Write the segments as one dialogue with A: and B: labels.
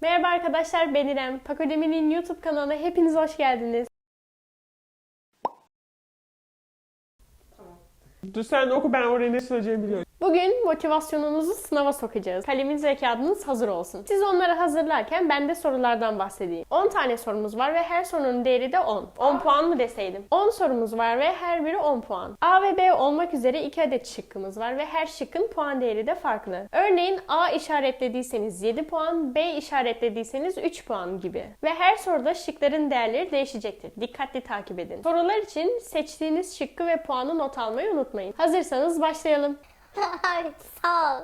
A: Merhaba arkadaşlar, ben İrem. Pakodemi'nin YouTube kanalına hepiniz hoş geldiniz.
B: Dur sen oku, ben oraya ne söyleyeceğimi biliyorum.
A: Bugün motivasyonunuzu sınava sokacağız. Kaleminiz ve kağıdınız hazır olsun. Siz onları hazırlarken ben de sorulardan bahsedeyim. 10 tane sorumuz var ve her sorunun değeri de 10. 10 puan mı deseydim? 10 sorumuz var ve her biri 10 puan. A ve B olmak üzere 2 adet şıkkımız var ve her şıkkın puan değeri de farklı. Örneğin A işaretlediyseniz 7 puan, B işaretlediyseniz 3 puan gibi. Ve her soruda şıkların değerleri değişecektir. Dikkatli takip edin. Sorular için seçtiğiniz şıkkı ve puanı not almayı unutmayın. Hazırsanız başlayalım.
C: Sağ ol.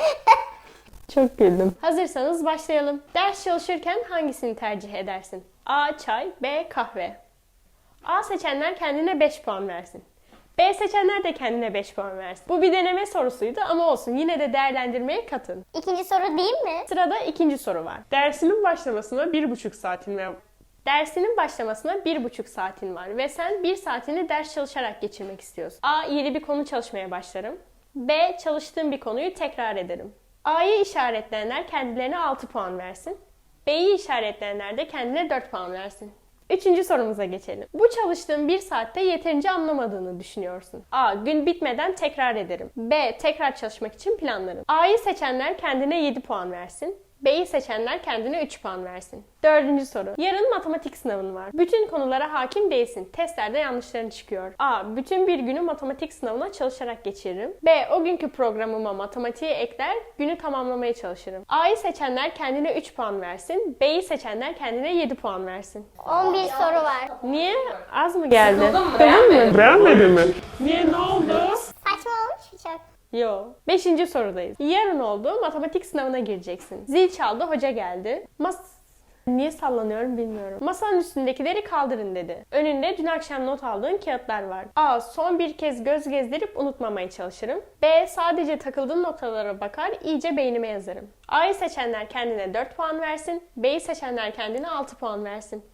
A: Çok güldüm. Hazırsanız başlayalım. Ders çalışırken hangisini tercih edersin? A. Çay, B. Kahve. A seçenler kendine 5 puan versin. B seçenler de kendine 5 puan versin. Bu bir deneme sorusuydu ama olsun, yine de değerlendirmeye katın.
C: İkinci soru değil mi?
A: Sırada ikinci soru var.
B: Dersinin başlamasına 1,5 saatin var.
A: Dersinin başlamasına 1,5 saatin var ve sen 1 saatini ders çalışarak geçirmek istiyorsun. A. Yeni bir konu çalışmaya başlarım. B. Çalıştığım bir konuyu tekrar ederim. A'yı işaretleyenler kendilerine 6 puan versin. B'yi işaretleyenler de kendine 4 puan versin. Üçüncü sorumuza geçelim. Bu çalıştığın 1 saatte yeterince anlamadığını düşünüyorsun. A. Gün bitmeden tekrar ederim. B. Tekrar çalışmak için planlarım. A'yı seçenler kendine 7 puan versin. B'yi seçenler kendine 3 puan versin. Dördüncü soru. Yarın matematik sınavın var. Bütün konulara hakim değilsin. Testlerde yanlışların çıkıyor. A. Bütün bir günü matematik sınavına çalışarak geçiririm. B. O günkü programıma matematiği ekler, günü tamamlamaya çalışırım. A'yı seçenler kendine 3 puan versin. B'yi seçenler kendine 7 puan versin.
C: 11 soru var.
A: Niye? Az mı geldi?
D: Sıkıldın mı?
A: Sıkıldın mı?
B: Beğenmedin mi? Niye, ne oldu?
C: Saçma olmuş mu çok?
A: Yo. Beşinci sorudayız. Yarın oldu, matematik sınavına gireceksin. Zil çaldı, hoca geldi. Niye sallanıyorum bilmiyorum. Masanın üstündekileri kaldırın dedi. Önünde dün akşam not aldığın kağıtlar var. A. Son bir kez göz gezdirip unutmamaya çalışırım. B. Sadece takıldığım noktalara bakar, iyice beynime yazarım. A'yı seçenler kendine 4 puan versin. B'yi seçenler kendine 6 puan versin.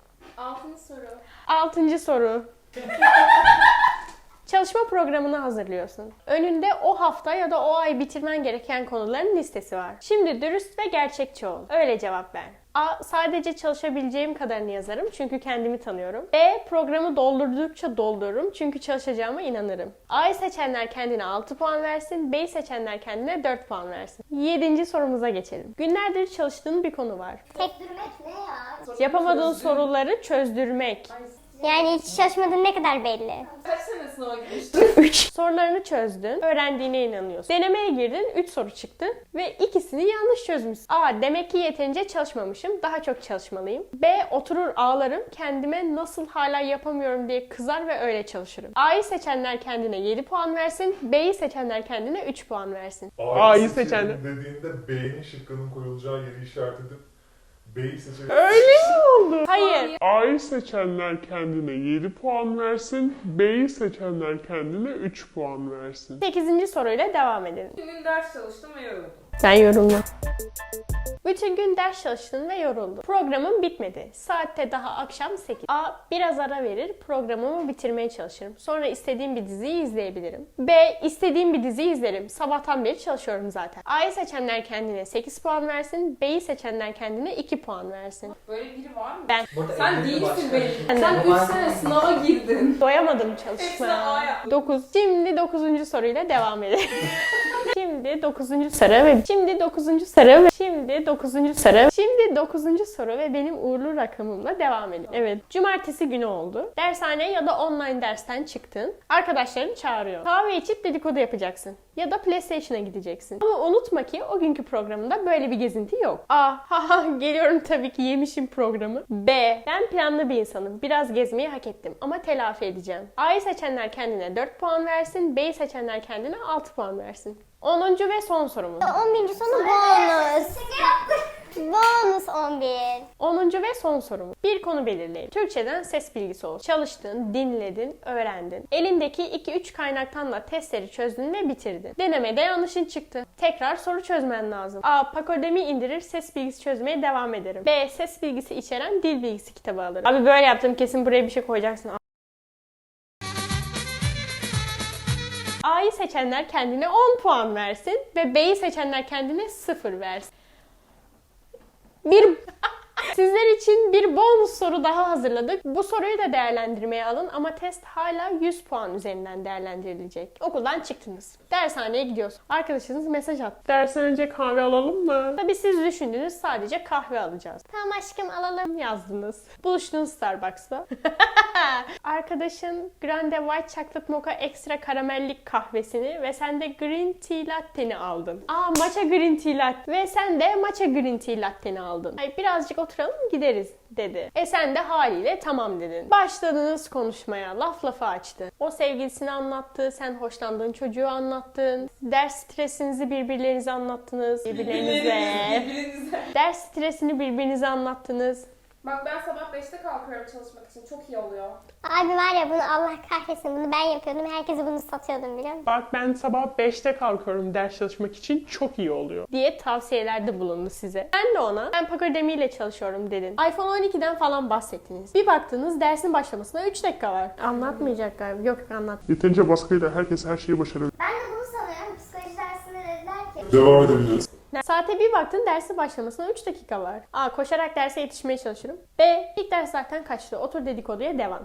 A: 6. soru. Çalışma programını hazırlıyorsun. Önünde o hafta ya da o ay bitirmen gereken konuların listesi var. Şimdi dürüst ve gerçekçi ol. Öyle cevap ver. A. Sadece çalışabileceğim kadarını yazarım çünkü kendimi tanıyorum. B. Programı doldurdukça doldururum çünkü çalışacağıma inanırım. A'yı seçenler kendine 6 puan versin. B'yi seçenler kendine 4 puan versin. 7. sorumuza geçelim. Günlerdir çalıştığın bir konu var.
C: Tekdirmek ne ya?
A: Yapamadığın soruları çözdürmek.
C: Yani hiç çalışmadığın ne kadar belli.
D: Kaç sene sınava girmiştin?
A: 3. Sorularını çözdün, öğrendiğine inanıyorsun. Denemeye girdin, 3 soru çıktı ve ikisini yanlış çözmüşsün. A. Demek ki yeterince çalışmamışım, daha çok çalışmalıyım. B. Oturur ağlarım, kendime nasıl hala yapamıyorum diye kızar ve öyle çalışırım. A'yı seçenler kendine 7 puan versin, B'yi seçenler kendine 3 puan versin.
B: A'yı seçenler.
E: Dediğinde B'nin şıkkının koyulacağı yeri işaret edip B'yi seçelim.
B: Öyle mi oldu?
A: Hayır.
B: A'yı seçenler kendine 7 puan versin. B'yi seçenler kendine 3 puan versin.
A: 8. soruyla devam edelim.
D: Bütün gün ders çalıştım ve yoruldum.
A: Sen yorumla. Bütün gün ders çalıştın ve yoruldun. Programın bitmedi. Saatte daha akşam 8. A. Biraz ara verir, programımı bitirmeye çalışırım. Sonra istediğim bir diziyi izleyebilirim. B. İstediğim bir diziyi izlerim. Sabahtan beri çalışıyorum zaten. A'yı seçenler kendine 8 puan versin. B'yi seçenler kendine 2 puan versin.
D: Böyle biri var mı?
A: Ben
D: Sen değilsin belli.
A: Ben de.
D: Sen 3 sene sınava girdin.
A: doyamadım
D: Hepsine A
A: çalışmaya.
D: yaptın.
A: 9. Şimdi 9. soruyla devam edelim. Şimdi 9. soru ve şimdi 9. soru ve şimdi 9. soru. Şimdi 9. soru ve benim uğurlu rakamımla devam edelim. Evet. Cumartesi günü oldu. Dershane ya da online dersten çıktın. Arkadaşların çağırıyor. Kahve içip dedikodu yapacaksın. Ya da PlayStation'a gideceksin. Ama unutma ki o günkü programında böyle bir gezinti yok. A. Haha geliyorum tabii ki, yemişim programı. B. Ben planlı bir insanım. Biraz gezmeyi hak ettim ama telafi edeceğim. A'yı seçenler kendine 4 puan versin. B'yi seçenler kendine 6 puan versin. 10. ve son sorumuz.
C: 11. sonu bonus. Bonus 11.
A: 10. ve son sorumuz. Bir konu belirleyelim. Türkçeden ses bilgisi olsun. Çalıştın, dinledin, öğrendin. Elindeki 2-3 kaynaktan da testleri çözdün ve bitirdin. Denemede yanlışın çıktı. Tekrar soru çözmen lazım. A. Pakodemi indirir, ses bilgisi çözmeye devam ederim. B. Ses bilgisi içeren dil bilgisi kitabı alırım. Abi böyle yaptım, kesin buraya bir şey koyacaksın. A'yı seçenler kendine 10 puan versin ve B'yi seçenler kendine 0 versin. Bir için bir bonus soru daha hazırladık. Bu soruyu da değerlendirmeye alın ama test hala 100 puan üzerinden değerlendirilecek. Okuldan çıktınız. Dershaneye gidiyorsun. Arkadaşınız mesaj attı.
B: Dersen önce kahve alalım mı?
A: Tabii siz düşündünüz, sadece kahve alacağız.
C: Tamam aşkım alalım.
A: Yazdınız. Buluştunuz Starbucks'ta. Arkadaşın Grande White Chocolate Mocha Extra karamellik kahvesini ve sen de Green Tea Latte'ni aldın. Matcha Green Tea Latte ve sen de Matcha Green Tea Latte'ni aldın. Ay, birazcık oturalım gideriz dedi. Sen de haliyle tamam dedin. Başladınız konuşmaya. Laf lafa açtı. O sevgilisini anlattı. Sen hoşlandığın çocuğu anlattın. Ders stresinizi birbirlerinize anlattınız.
D: Birbirinize.
A: Ders stresini birbirinize anlattınız.
D: Bak ben sabah 5'te kalkıyorum çalışmak için. Çok iyi oluyor.
C: Abi var ya bunu Allah kahretsin bunu ben yapıyordum. Herkese bunu satıyordum biliyor musun?
B: Bak ben sabah 5'te kalkıyorum ders çalışmak için, çok iyi oluyor.
A: Diye tavsiyelerde bulundu size. Ben de ona ben Pagodemi ile çalışıyorum dedin. iPhone 12'den falan bahsettiniz. Bir baktınız dersin başlamasına 3 dakika var. Anlatmayacak galiba. Yok anlat.
B: Yeterince baskıyla herkes her şeyi başarır.
C: Ben de bunu sanıyorum. Psikoloji dersinde dediler ki
E: Devam edebiliriz.
A: Saate bir baktın dersin başlamasına 3 dakika var. Koşarak derse yetişmeye çalışırım. B. İlk ders zaten kaçtı. Otur dedikoduya devam.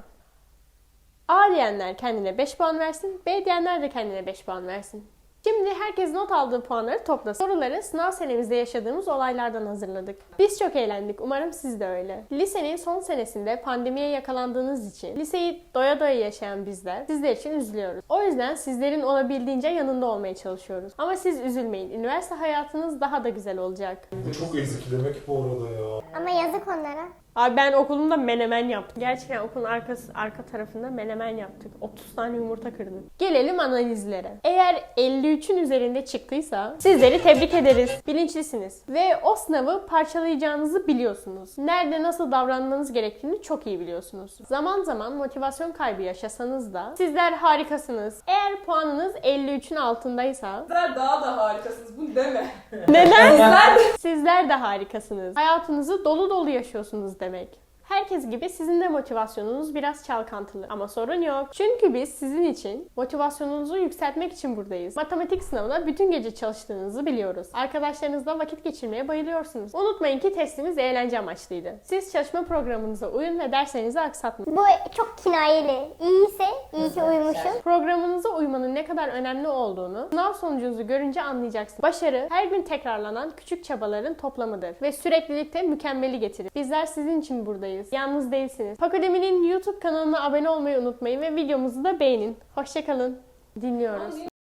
A: A diyenler kendine 5 puan versin. B diyenler de kendine 5 puan versin. Şimdi herkes not aldığı puanları toplasın. Soruları sınav senemizde yaşadığımız olaylardan hazırladık. Biz çok eğlendik. Umarım siz de öyle. Lisenin son senesinde pandemiye yakalandığınız için liseyi doya doya yaşayan bizler sizler için üzülüyoruz. O yüzden sizlerin olabildiğince yanında olmaya çalışıyoruz. Ama siz üzülmeyin. Üniversite hayatınız daha da güzel olacak.
E: Bu çok ezikilemek bu arada ya.
C: ama yazık onlara.
A: Abi ben okulumda menemen yaptım. Gerçekten okulun arka tarafında menemen yaptık. 30 tane yumurta kırdım. Gelelim analizlere. Eğer 53'ün üzerinde çıktıysa sizleri tebrik ederiz. Bilinçlisiniz. Ve o sınavı parçalayacağınızı biliyorsunuz. Nerede nasıl davranmanız gerektiğini çok iyi biliyorsunuz. Zaman zaman motivasyon kaybı yaşasanız da sizler harikasınız. Eğer puanınız 53'ün altındaysa
D: Sizler daha da harikasınız. Bunu deme.
A: neden? Sizler de harikasınız. Hayatınızı dolu dolu yaşıyorsunuz demek. Herkes gibi sizin de motivasyonunuz biraz çalkantılı. Ama sorun yok. Çünkü biz sizin için motivasyonunuzu yükseltmek için buradayız. Matematik sınavına bütün gece çalıştığınızı biliyoruz. Arkadaşlarınızla vakit geçirmeye bayılıyorsunuz. Unutmayın ki testimiz eğlence amaçlıydı. Siz çalışma programınıza uyun ve derslerinizi aksatmayın.
C: Bu çok kinayeli. İyiyse iyi ki uymuşum.
A: Programınıza uymanın ne kadar önemli olduğunu sınav sonucunuzu görünce anlayacaksınız. Başarı her gün tekrarlanan küçük çabaların toplamıdır ve süreklilikte mükemmeli getirir. Bizler sizin için buradayız. Yalnız değilsiniz. Pakodemi'nin YouTube kanalına abone olmayı unutmayın ve videomuzu da beğenin. Hoşçakalın. Dinliyoruz.